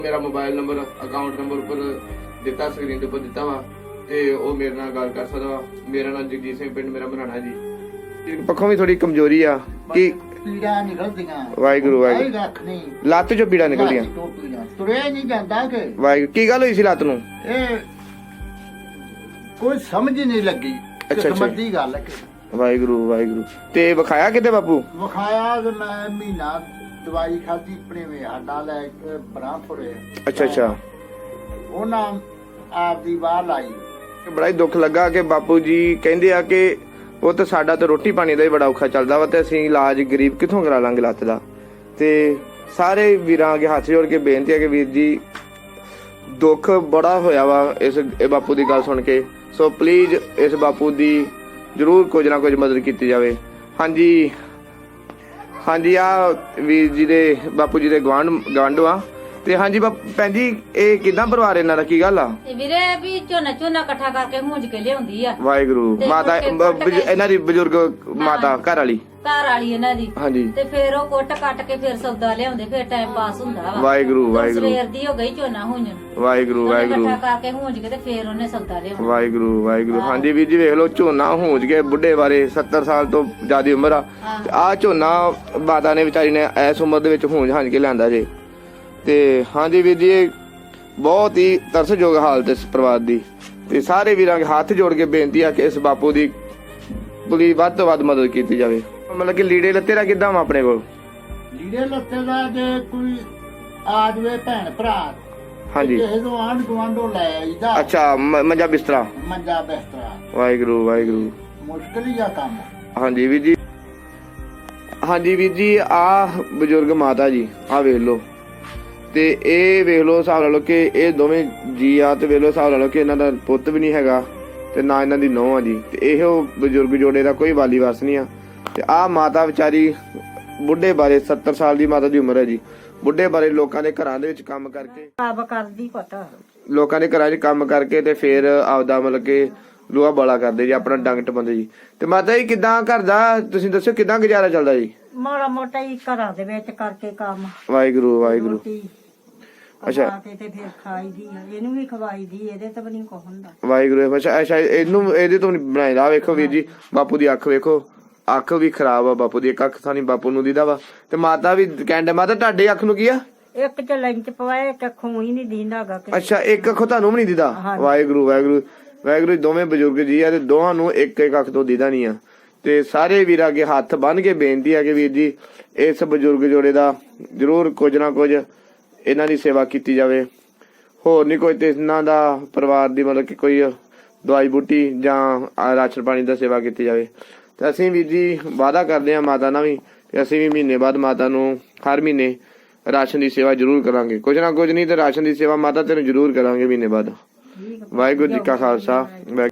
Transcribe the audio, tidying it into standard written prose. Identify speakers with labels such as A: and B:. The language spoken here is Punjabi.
A: मेरा मोबाइल नंबर अकाउंट नंबर उपर दिता स्क्रीन के उपर दिता वा ते ओ मेरे नाल गल कर सकदा वा। मेरा नाम जगजीत सिंह पिंड मेरा बनाना जी। पक्खों भी थोड़ी कमजोरी आ कि
B: पीड़ा निकलदियां
A: वाहिगुरू वाहिगुरू
B: रख नहीं
A: ਲੱਤ चो पीड़ा निकलदियां
B: तुरया नहीं जाता कि
A: वाहिगुरू की गल होई सी ਲੱਤ ਨੂੰ
B: कोई समझ ही नहीं लगी
A: अच्छा,
B: किस्मत दी गल है
A: वाहिगुरू वाहिगुरू ते विखाया किते बापू
B: विखाया ते मैं महीना दवाई खाधी अपने में आडा ले बरांपुरे
A: अच्छा अच्छा
B: ਉਹਨਾਂ ਆਪ ਦੀ ਬਾਹਰ ਲਾਈ
A: ਬੜਾ ਹੀ ਦੁੱਖ ਲੱਗਾ ਕਿ ਬਾਪੂ ਜੀ ਕਹਿੰਦੇ ਆ ਕਿ ਉਹ ਤਾਂ ਸਾਡਾ ਤਾਂ ਰੋਟੀ ਪਾਣੀ ਦਾ ਹੀ ਬੜਾ ਔਖਾ ਚੱਲਦਾ ਵਾ ਤੇ ਅਸੀਂ ਇਲਾਜ ਗਰੀਬ ਕਿੱਥੋਂ ਕਰਾ ਲਾਂਗੇ ਲੱਤ ਦਾ। ਤੇ ਸਾਰੇ ਵੀਰਾਂ ਅੱਗੇ ਹੱਥ ਜੋੜ ਕੇ ਬੇਨਤੀ ਹੈ ਕਿ ਵੀਰ ਜੀ ਦੁੱਖ ਬੜਾ ਹੋਇਆ ਵਾ ਇਸ ਬਾਪੂ ਦੀ ਗੱਲ ਸੁਣ ਕੇ, ਸੋ ਪਲੀਜ਼ ਇਸ ਬਾਪੂ ਦੀ ਜ਼ਰੂਰ ਕੁਝ ਨਾ ਕੁਝ ਮਦਦ ਕੀਤੀ ਜਾਵੇ। ਹਾਂਜੀ ਹਾਂਜੀ ਆ ਵੀਰ ਜੀ ਦੇ ਬਾਪੂ ਜੀ ਦੇ ਗਵਾਂਢ ਆ ਤੇ ਹਾਂਜੀ ਭੈਣ ਜੀ ਇਹ ਕਿਦਾਂ ਪਰਿਵਾਰ ਇਹਨਾਂ ਦਾ ਕੀ ਗੱਲ ਆ?
C: ਵੀਰੇ ਵੀ ਝੋਨਾ ਇਕੱਠਾ ਕਰਕੇ ਹੁੰਜ ਕੇ ਲਿਆਉਂਦੀ ਆ।
A: ਵਾਹਿਗੁਰੂ ਮਾਤਾ ਇਹਨਾਂ ਦੀ ਬਜ਼ੁਰਗ ਮਾਤਾ ਘਰ ਵਾਲੀ
C: ਇਹਨਾਂ ਦੀ
A: ਹਾਂਜੀ
C: ਤੇ ਫਿਰ ਉਹ ਕੁੱਟ ਕੱਟ ਕੇ ਫਿਰ ਸੌਦਾ ਲਿਆਉਂਦੇ ਫਿਰ ਟਾਈਮ ਪਾਸ ਹੁੰਦਾ ਵਾ।
A: ਵਾਹਿਗੁਰੂ ਵਾਹਿਗੁਰੂ
C: ਸਵੇਰ ਦੀ ਹੋ ਗਈ ਝੋਨਾ ਹੁੰਜਣ
A: ਵਾਹਿਗੁਰੂ ਵਾਹਿਗੁਰੂ
C: ਇਕੱਠਾ ਕਰਕੇ ਹੁੰਜ ਕੇ ਤੇ ਫਿਰ ਉਹਨੇ ਸੌਦਾ ਲਿਆਉਣਾ।
A: ਵਾਹਿਗੁਰੂ ਵਾਹਿਗੁਰੂ ਹਾਂਜੀ ਵੀਰ ਜੀ ਵੇਖ ਲਓ ਝੋਨਾ ਹੁੰਜ ਕੇ ਬੁੱਢੇ ਬਾਰੇ 70 ਸਾਲ ਤੋਂ ਜ਼ਿਆਦਾ ਉਮਰ ਆ ਝੋਨਾ ਮਾਤਾ ਨੇ ਵਿਚਾਰੀ ਨੇ ਇਸ ਉਮਰ ਦੇ ਵਿੱਚ ਹੁੰਜ ਹੰਜ ਕੇ ਲਿਆਂਦਾ ਜੇ। ਤੇ ਹਾਂਜੀ ਵੀਰ ਜੀ ਇਹ ਬਹੁਤ ਹੀ ਤਰਸਯੋਗ ਹਾਲਤ ਇਸ ਪਰਿਵਾਰ ਦੀ ਤੇ ਸਾਰੇ ਵੀਰਾਂ ਦੇ ਹੱਥ ਜੋੜ ਕੇ ਬੇਨਤੀ ਆ ਕਿ ਇਸ ਬਾਪੂ ਦੀ ਪੂਰੀ ਵੱਧ ਤੋਂ ਵੱਧ ਮਦਦ ਕੀਤੀ ਜਾਵੇ। ਮਤਲਬ ਕਿ ਲੀੜੇ ਲੱਤੇ ਦਾ ਕਿੱਦਾਂ ਆਪਣੇ ਕੋਲ
B: ਲੀੜੇ ਲੱਤੇ ਦਾ ਜੇ ਕੋਈ ਆ ਜਾਵੇ ਭੈਣ ਭਰਾ
A: ਹਾਂਜੀ
B: ਕਿਸੇ ਤੋਂ ਆਂਢ ਗੁਆਂਢੋਂ ਲੈ ਆਈਦਾ।
A: ਅੱਛਾ ਮੰਜਾ ਬਿਸਤਰਾ
B: ਮੰਜਾ ਬਿਸਤਰਾ
A: ਵਾਹਿਗੁਰੂ ਵਾਹਿਗੁਰੂ
B: ਮੁਸ਼ਕਿਲ ਹੀ ਆ ਕੰਮ।
A: ਹਾਂਜੀ ਵੀਰ ਜੀ ਹਾਂਜੀ ਵੀਰ ਜੀ ਆ ਬਜ਼ੁਰਗ ਮਾਤਾ ਜੀ ਆ ਵੇਖ ਲਓ ਤੇ ਇਹ ਵੇਖ ਲਓ ਹਿਸਾਬ ਲਾ ਲਓ ਕਿ ਇਹ ਦੋਵੇਂ ਜੀ ਆ ਤੇ ਵੇਖ ਲਓ ਹਿਸਾਬ ਲਾ ਲਓ ਕਿ ਇਹਨਾਂ ਦਾ ਪੁੱਤ ਵੀ ਨਹੀਂ ਹੈਗਾ ਤੇ ਨਾ ਇਹਨਾਂ ਦੀ ਨੂੰਹ ਆ ਜੀ ਤੇ ਇਹੋ ਬਜ਼ੁਰਗ ਜੋੜੇ ਦਾ ਕੋਈ ਵਾਲੀ ਵਾਰਸ ਨਹੀਂ ਆ। ਤੇ ਆ ਮਾਤਾ ਵਿਚਾਰੀ ਬੁੱਢੇ ਬਾਰੇ 70 ਸਾਲ ਦੀ ਮਾਤਾ ਦੀ ਉਮਰ ਹੈ ਜੀ। ਬੁੱਢੇ ਬਾਰੇ ਲੋਕਾਂ ਦੇ ਘਰਾਂ ਦੇ ਵਿੱਚ ਕੰਮ ਕਰਕੇ
C: ਆਪ ਕਰਦੀ ਪਤਾ
A: ਲੋਕਾਂ ਦੇ ਘਰਾਂ 'ਚ ਕੰਮ ਕਰਕੇ ਤੇ ਫਿਰ ਆਪਦਾ ਮਤਲਬ ਕਿ ਲੋਹਾ ਬਾਲਾ ਕਰਦੇ ਜੀ ਆਪਣਾ ਡੰਗ ਟਪਾਉਂਦੇ ਜੀ। ਤੇ ਮਾਤਾ ਜੀ ਕਿੱਦਾਂ ਘਰ ਦਾ ਤੁਸੀਂ ਦੱਸੋ ਕਿੱਦਾਂ ਗੁਜ਼ਾਰਾ ਚੱਲਦਾ ਜੀ?
C: ਮਾੜਾ ਮੋਟਾ ਹੀ ਘਰਾਂ ਦੇ ਵਿੱਚ ਕਰਕੇ ਕੰਮ
A: ਵਾਹਿਗੁਰੂ ਵਾਹਿਗੁਰੂ
C: ਅੱਛਾ ਤੇ ਫਿਰ ਖਾਈਦੀ ਆ ਇਹਨੂੰ ਵੀ ਖਵਾਈਦੀ ਇਹਦੇ ਤੇ ਵੀ ਨਹੀਂ ਕੁਝ ਹੁੰਦਾ।
A: ਵਾਹਿਗੁਰੂ ਅੱਛਾ ਇਹਨੂੰ ਇਹਦੇ ਤੋਂ ਨਹੀਂ ਬਣਾਇਦਾ। ਵੇਖੋ ਵੀਰ ਜੀ ਬਾਪੂ ਦੀ ਅੱਖ ਵੇਖੋ ਅੱਖ ਵੀ ਖਰਾਬ ਆ ਬਾਪੂ ਦੀ ਇੱਕ ਅੱਖ ਤਾਂ ਨਹੀਂ ਬਾਪੂ ਨੂੰ ਦੀਦਾ ਵਾ ਤੇ ਮਾਤਾ ਵੀ ਕਹਿੰਦੇ ਮਾਤਾ ਤੁਹਾਡੇ ਅੱਖ ਨੂੰ ਕੀ ਆ?
C: ਇੱਕ ਚ ਲੈਂਚ ਪਵਾਏ ਇੱਕ ਅੱਖੋਂ ਹੀ ਨਹੀਂ ਦੀਂਦਾਗਾ।
A: ਅੱਛਾ ਇੱਕ ਅੱਖੋਂ ਤੁਹਾਨੂੰ ਵੀ ਨਹੀਂ ਦੀਦਾ। ਵਾਹਿਗੁਰੂ ਵਾਹਿਗੁਰੂ ਵਾਹਿਗੁਰੂ ਦੋਵੇਂ ਬਜ਼ੁਰਗ ਜੀ ਆ ਤੇ ਦੋਹਾਂ ਨੂੰ ਇੱਕ ਇੱਕ ਅੱਖ ਤੋਂ ਦੀਦਾ ਨਹੀਂ ਆ। ਤੇ ਸਾਰੇ ਵੀਰਾਂ ਅੱਗੇ ਹੱਥ ਬੰਨ ਕੇ ਬੇਨਤੀ ਆ ਕਿ ਵੀਰ ਜੀ ਇਸ ਬਜ਼ੁਰਗ ਜੋੜੇ ਦਾ ਜ਼ਰੂਰ ਕੁਝ ਨਾ ਕੁਝ ਇਹਨਾਂ ਦੀ ਸੇਵਾ ਕੀਤੀ ਜਾਵੇ। ਹੋਰ ਨਹੀਂ ਕੋਈ ਤੇ ਇਹਨਾਂ ਦਾ ਪਰਿਵਾਰ ਦੀ ਮਤਲਬ ਕਿ ਕੋਈ ਦਵਾਈ ਬੂਟੀ ਜਾਂ ਰਾਸ਼ਨ ਪਾਣੀ ਦਾ ਸੇਵਾ ਕੀਤੀ ਜਾਵੇ। ਤੇ ਅਸੀਂ ਵੀਰ ਜੀ ਵਾਅਦਾ ਕਰਦੇ ਹਾਂ ਮਾਤਾ ਨਾਲ ਵੀ ਕਿ ਅਸੀਂ ਵੀ ਮਹੀਨੇ ਬਾਅਦ ਮਾਤਾ ਨੂੰ ਹਰ ਮਹੀਨੇ ਰਾਸ਼ਨ ਦੀ ਸੇਵਾ ਜ਼ਰੂਰ ਕਰਾਂਗੇ। ਕੁਝ ਨਾ ਕੁਝ ਨਹੀਂ ਤੇ ਰਾਸ਼ਨ ਦੀ ਸੇਵਾ ਮਾਤਾ ਤੈਨੂੰ ਜ਼ਰੂਰ ਕਰਾਂਗੇ ਮਹੀਨੇ ਬਾਅਦ। ਵਾਹਿਗੁਰੂ ਜੀ ਕਾ ਖਾਲਸਾ।